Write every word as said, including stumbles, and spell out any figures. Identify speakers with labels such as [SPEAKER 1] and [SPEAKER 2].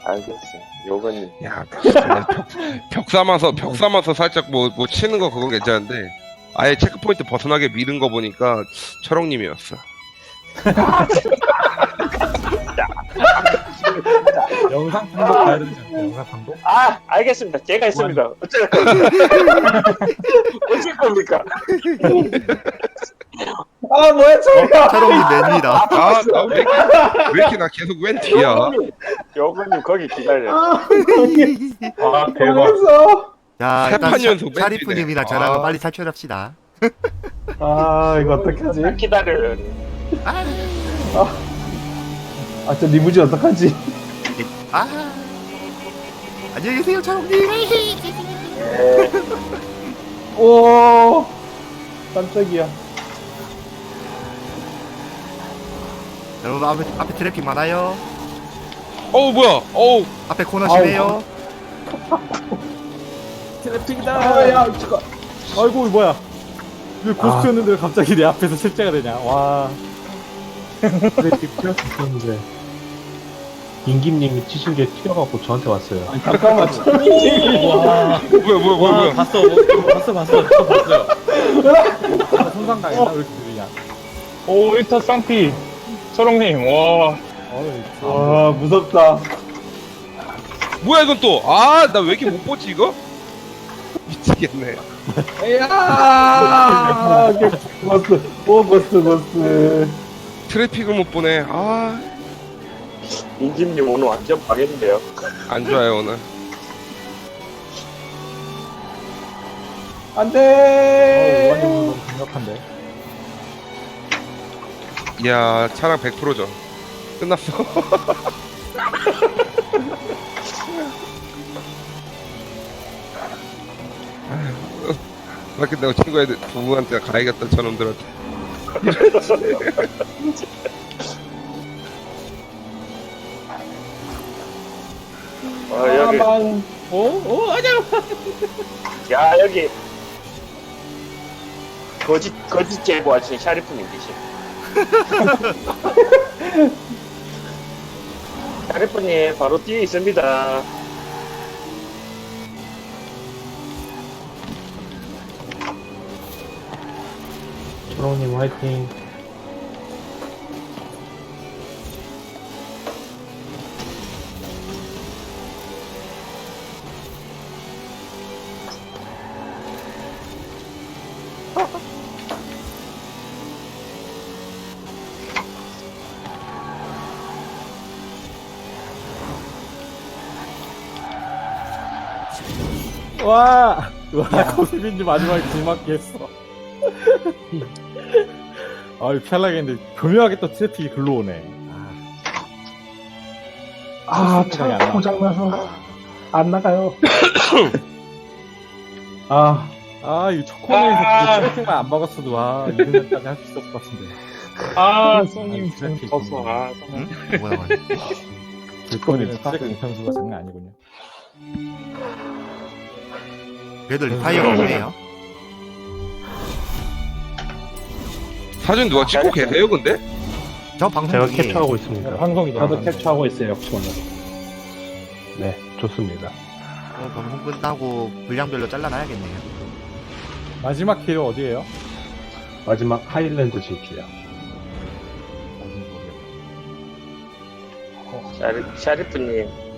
[SPEAKER 1] 알겠어요. 요거는
[SPEAKER 2] 야, 그냥 벽, 벽 삼아서 벽 삼아서 살짝 뭐 뭐 치는 거 그건 괜찮은데 아예 체크포인트 벗어나게 미는 거 보니까 철옹님이었어.
[SPEAKER 3] 영상 판독 가야 되지 않나요? 영상 판독?
[SPEAKER 1] 아 알겠습니다. 제가 있습니다. 어쩔 겁니까? 어쩔 겁니까? 아 뭐야 저리가.
[SPEAKER 4] 철옹님 맨이다.
[SPEAKER 2] 아, 나 왜 이렇게, 왜 이렇게 나 계속 웬 뒤야?
[SPEAKER 1] 요거님 요거님 거기 기다려.
[SPEAKER 3] 아 대박.
[SPEAKER 5] 망했어.
[SPEAKER 4] 자, 일단
[SPEAKER 2] 세판 연속
[SPEAKER 4] 샤- 샤리프님이나
[SPEAKER 2] 맨이네.
[SPEAKER 4] 저랑
[SPEAKER 2] 아.
[SPEAKER 4] 빨리 탈출합시다.
[SPEAKER 5] 아 이거 어떡하지?
[SPEAKER 1] 기다려요.
[SPEAKER 5] 아 저 리무진 어떡하지?
[SPEAKER 4] 아, 안녕히 계세요, 철옹님.
[SPEAKER 5] 오 깜짝이야.
[SPEAKER 4] 여러분 앞에 앞에 트래픽 많아요.
[SPEAKER 2] 어우 뭐야? 어우
[SPEAKER 4] 앞에 코너 심해요.
[SPEAKER 3] 트래픽이다.
[SPEAKER 5] 아야 잠깐.
[SPEAKER 3] 아이고 뭐야? 왜 고스트였는데 왜 갑자기 내 앞에서 실제가 되냐? 와.
[SPEAKER 6] 트래픽 피할 수 있었는데 임김님이 치신 게 튀어갖고 저한테 왔어요.
[SPEAKER 5] 아니, 잠깐만.
[SPEAKER 3] 와.
[SPEAKER 2] 뭐야 뭐야 뭐야
[SPEAKER 3] 와
[SPEAKER 2] 뭐야?
[SPEAKER 3] 봤어. 뭐, 봤어 봤어. 저 봤어요. 아, 손상 당했나? 왜 이렇게 느리냐?
[SPEAKER 7] 오, 일타 쌍피. 철옹님, 와.
[SPEAKER 3] 어이,
[SPEAKER 5] 와 무섭다.
[SPEAKER 2] 뭐야 이건 또? 아, 나 왜 이렇게 못 보지 이거? 미치겠네.
[SPEAKER 5] 야 고스 오 고스 고스.
[SPEAKER 2] 트래픽을 못 보네. 아,
[SPEAKER 1] 인김님 오늘 완전 망했는데요.
[SPEAKER 2] 안 좋아요 오늘.
[SPEAKER 3] 어,
[SPEAKER 5] 안돼.
[SPEAKER 3] 우아님 너무 강력한데.
[SPEAKER 2] 이야, 차량 백 퍼센트죠. 끝났어. 그렇게 내가 친구애들 부부한테 가야겠다 저놈들한테.
[SPEAKER 1] 아 여기
[SPEAKER 5] 아만.
[SPEAKER 3] 오, 오, 아니야.
[SPEAKER 1] 야 여기 거짓 거짓 제보하신 샤리프님 계시. 샤리프님 바로 뒤에 있습니다.
[SPEAKER 6] 초롱님 화이팅.
[SPEAKER 3] 와, 와, 고수빈님 마지막에 길막기 했어. 아유, 편하게 했는데, 교묘하게 또 트래픽이 글로 오네.
[SPEAKER 5] 아,
[SPEAKER 3] 생각이 안
[SPEAKER 5] 차
[SPEAKER 3] 나.
[SPEAKER 5] 고장나서 안 나가요. 아,
[SPEAKER 3] 아, 이 첫 코너에서
[SPEAKER 7] 아.
[SPEAKER 3] 트래픽만 안 박았어도, 와, 이등까지 할 수 있었을 것 같은데.
[SPEAKER 7] 아, 손님,
[SPEAKER 3] 아, 트래픽.
[SPEAKER 7] 졌어. 아, 손님.
[SPEAKER 4] 응? 뭐야?
[SPEAKER 3] 이번에는 트래픽 편수가 장난 아니군요.
[SPEAKER 4] 그래도 리파이어가 없네요.
[SPEAKER 2] 사진 누가 찍고 계세요 근데?
[SPEAKER 4] 저 방송
[SPEAKER 6] 제가
[SPEAKER 4] 중에
[SPEAKER 6] 캡처하고 있습니다.
[SPEAKER 3] 방송이죠.
[SPEAKER 6] 저도 캡처하고 있어요, 역시나. 네, 좋습니다.
[SPEAKER 4] 어, 방송 끝나고 분량별로 잘라놔야겠네요.
[SPEAKER 3] 마지막 길 어디에요?
[SPEAKER 6] 마지막 하일랜드 지키야.
[SPEAKER 1] 샤리, 샤리프님